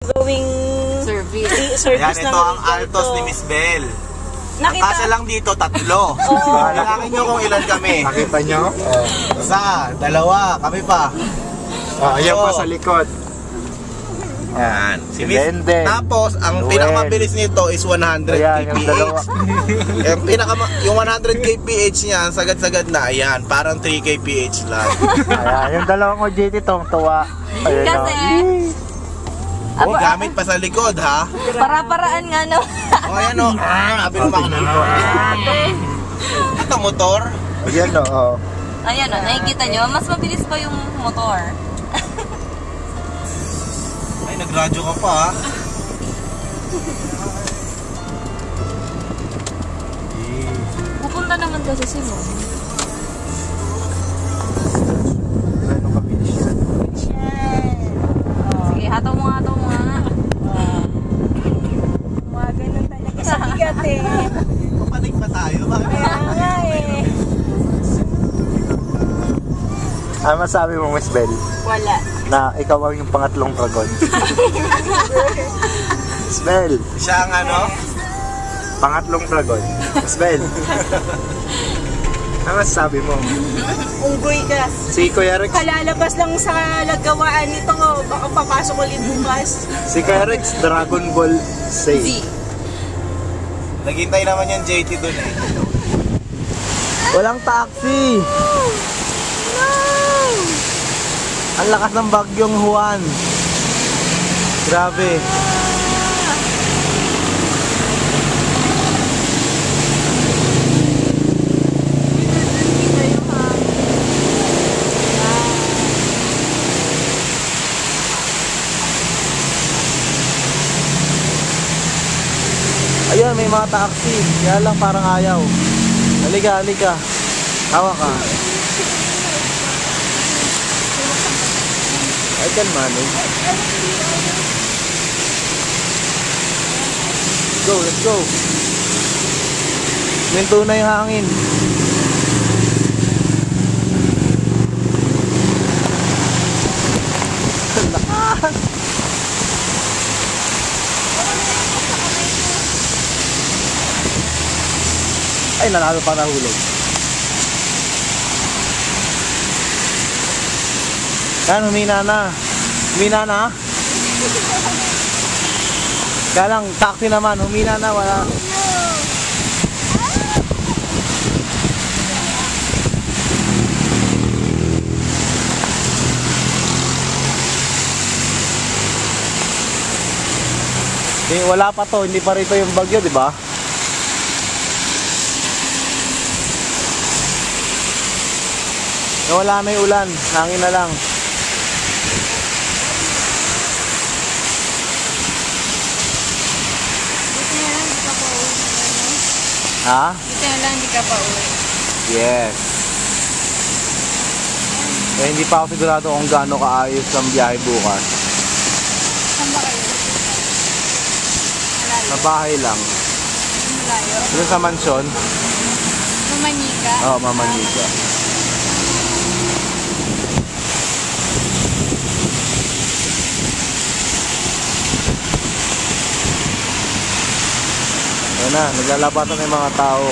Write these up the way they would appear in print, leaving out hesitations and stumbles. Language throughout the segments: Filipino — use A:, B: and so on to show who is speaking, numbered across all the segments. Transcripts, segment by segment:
A: Going service.
B: Ayan, ito ang Altos ni Miss Bell.
A: Nakita.
B: Kasi lang dito, 3. Kailangan nyo kung ilan kami.
C: Nakita nyo?
B: Isa, 2, kami pa.
C: Ayan pa sa likod.
B: Yan. Si Miss.
C: Lende.
B: Tapos, ang
C: Noel.
B: pinakamabilis nito is 100
C: Ayan, yung dalawa.
B: yung 100 kph niya, sagad-sagad na. Ayan, parang 3 kph lang.
C: Ayan, yung dalawang OJT tuwa. Ayan,
D: Kasi,
B: Oh, gamit pa sa likod, ha?
D: para-paraan nga no.
B: O, ayan o. Sabi mo mga ito, motor.
C: Ayan, oo.
D: Ayan o, nakikita nyo, mas mabilis pa yung motor.
B: Ay, nagradyo ka pa, ha?
D: Pupunta naman kasi si Mo.
C: Gano'ng kabilis yan?
D: Sige, hataw mo nga.
A: Mga ganun talaga sa bigat eh.
B: Papanig pa tayo.
A: Kaya nga eh.
C: Ano masabi mo, Miss Bell?
A: Wala.
C: Na ikaw ang yung pangatlong dragon. Miss Bell,
B: Siya ang ano?
C: pangatlong dragon. Miss Bell. Ano masasabi mo?
A: Unggoy ka.
C: Si Kuya Rex.
A: Kalalabas lang sa lagawaan nito. Baka papasok ulit bukas.
C: Si Kuya Rex, Dragon Ball Z.
B: Naghintay naman yung JT dun eh.
E: Walang taxi! Ang lakas ng bagyong Juan. Grabe. Ayun, may mga taxi. Kaya lang parang ayaw. Halika. Hawa ka. I can manage. Let's go. Minto na yung hangin. Lakas. Ay, nanalo pa nahulog. Yan, humina na. Kaya lang, taxi naman, humina na, wala. Wala pa to, hindi pa rito yung bagyo, di ba? Wala na yung ulan, hangin na lang. Ha?
D: Buti na lang, hindi ka pa uwi.
E: Yes. Eh, hindi pa ako sigurado kung gaano kaayos ang biyahe bukas.
D: Saan ba kayo? Malayo.
E: Sa bahay lang.
D: Malayo.
E: Doon sa mansyon.
D: Mamanika.
E: Oo, Mamanika. Ayan na, naglalabatan na yung mga tao.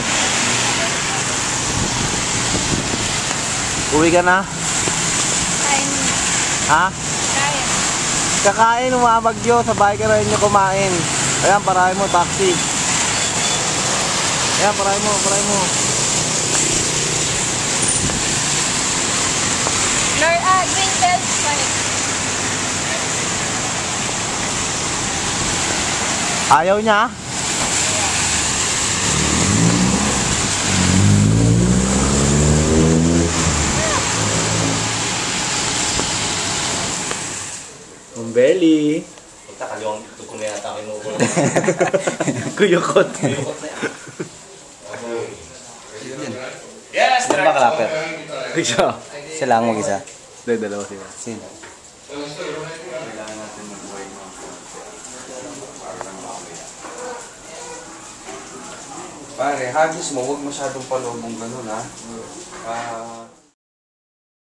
E: Uwi ka na?
D: Kain.
E: Ha?
D: Kain.
E: Kakain, umabagyo. Sa bahay ka rin nyo kumain. Ayan, parahin mo, taxi. Ayan, parahin mo.
D: Green belt side.
E: Ayaw niya? Umbeli.
B: Punta kaliwang tuko na yata kinukuha.
E: Kuyukot.
B: Yes!
F: Ano ba kalapit?
E: Siya.
F: Sila ang mag-isa.
E: Dalawa sila.
F: Sino?
G: Pare, hagis mo, huwag masyadong palobong ganun ha.